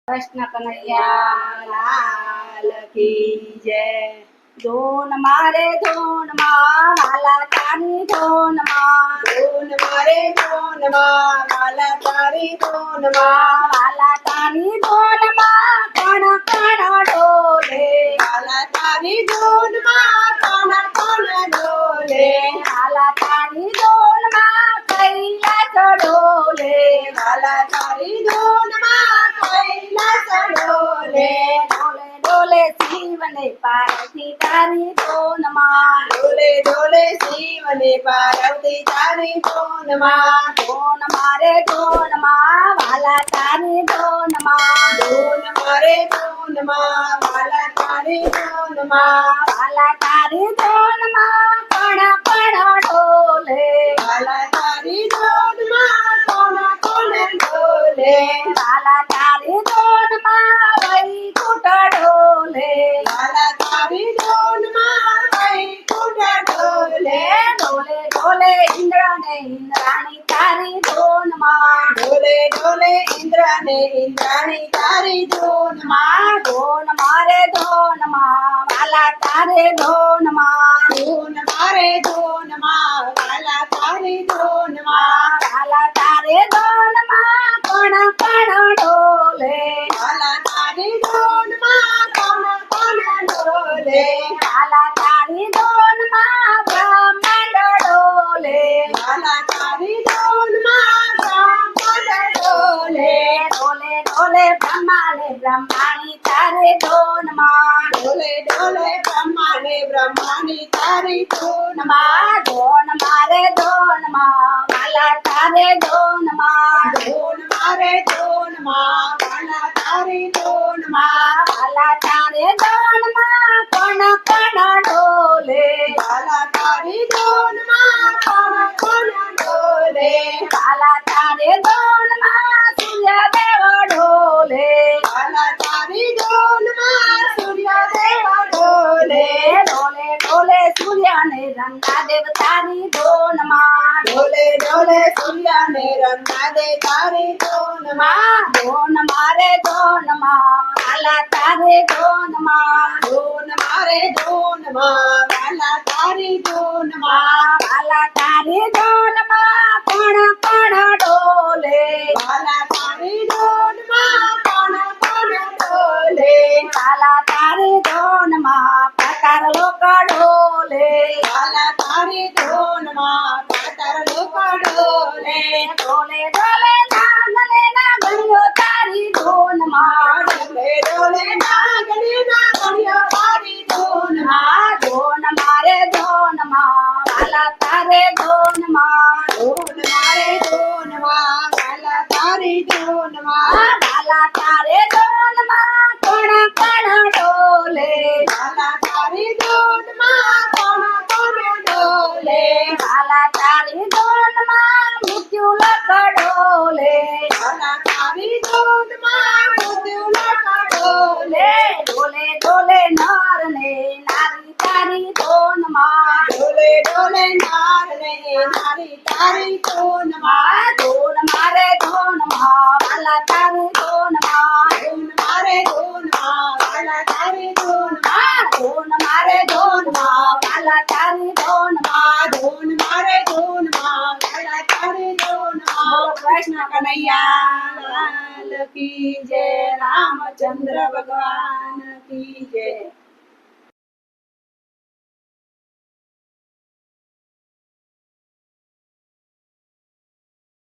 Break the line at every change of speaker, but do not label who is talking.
कृष्ण कन्हैया लाल की जय। धून मारे धून माँ वाला तारी धून माँ,
धून मारे धून माँ वाला तारी धून माँ,
वाला तारी धून माँ कण कण डोले,
वाला तारी धून माँ कण कण डोले,
वाला तारी धून माँ कैलास डोले,
वाला तारी धून माँ कैलास डोले,
डोले डोले शिव ने पार्वती तारी धून माँ,
डोले डोले शिव ने पार्वती तारी धून माँ,
धून मारे धून माँ वाला तारी धून माँ,
धून मारे धून माँ वाला तारी धून माँ,
वाला तारी धून माँ कण कण डोले,
वाला तारी धून माँ कण कण डोले,
वाला तारी धून माँ वैकुंठ डोले,
वाला तारी धून माँ वैकुंठ डोले,
डोले डोले इंद्र ने इंद्राणी तारी धून माँ,
डोले डोले इंद्र ने इंद्राणी तारी धून माँ,
धून मारे धून माँ वाला तारे धून माँ,
धून मारे धून माँ वाला तारी धून माँ,
वाला तारे धून माँ कण कण डोले,
वाला तारी धून माँ कण कण डोले,
वाला तारी धून माँ ब्रह्मांड डोले,
वाला तारी धून माँ ब्रह्मांड डोले,
डोले डोले ब्रह्माणी तारे धून माँ,
डोले डोले ब्रह्माणी तारी धून माँ,
धून मारे धून माँ वाला तारे धून माँ,
धून मारे धून माँ वाला तारी धून माँ,
वाला तारे धून माँ कण कण डोले,
वाला तारी धून माँ कण कण डोले,
वाला तारे धून माँ सूर्य देव डोले,
वाला तारी धून माँ सूर्य देव डोले,
डोले डोले सूर्य ने रंगा देव तारी धून माँ,
डोले डोले सूर्य ने रंगा दे तारी धून माँ,
धून मारे धून माँ वाला तारे धून माँ,
धून मारे धून माँ वाला तारी धून माँ,
वाला तारे धून माँ कण कण डोले,
वाला तारी धून माँ कण कण डोले,
वाला तारे धून माँ प्रकार लोक डोले,
वाला तारी धून माँ पातर लोक डोले,
डोले डोले नागले नागरियो तारी धून माँ,
डोले डोले नागरी नागरियो तारी धून माँ,
धून मारे धून माँ वाला तारे धून माँ,
धून मारे धून माँ वाला तारी धून माँ,
वाला तारे धून माँ कण कण डोले,
वाला तारी धून माँ कण कण डोले,
वाला तारी धून माँ मृत्यु लक डोले,
वाला तारी धून माँ मृत्यु लक डोले,
डोले डोले नर ने नारी तारी धून माँ,
डोले डोले नार ने नारी तारी धून माँ,
धून मारे धून माँ वाला तारी धून माँ,
धून मारे धून माँ वाला तारी धून माँ,
धून मारे धून माँ वाला तारी धून माँ,
धून मारे धून माँ वाला तारी धून माँ।
कृष्ण कन्हैया
लाल की जय, रामचंद्र भगवान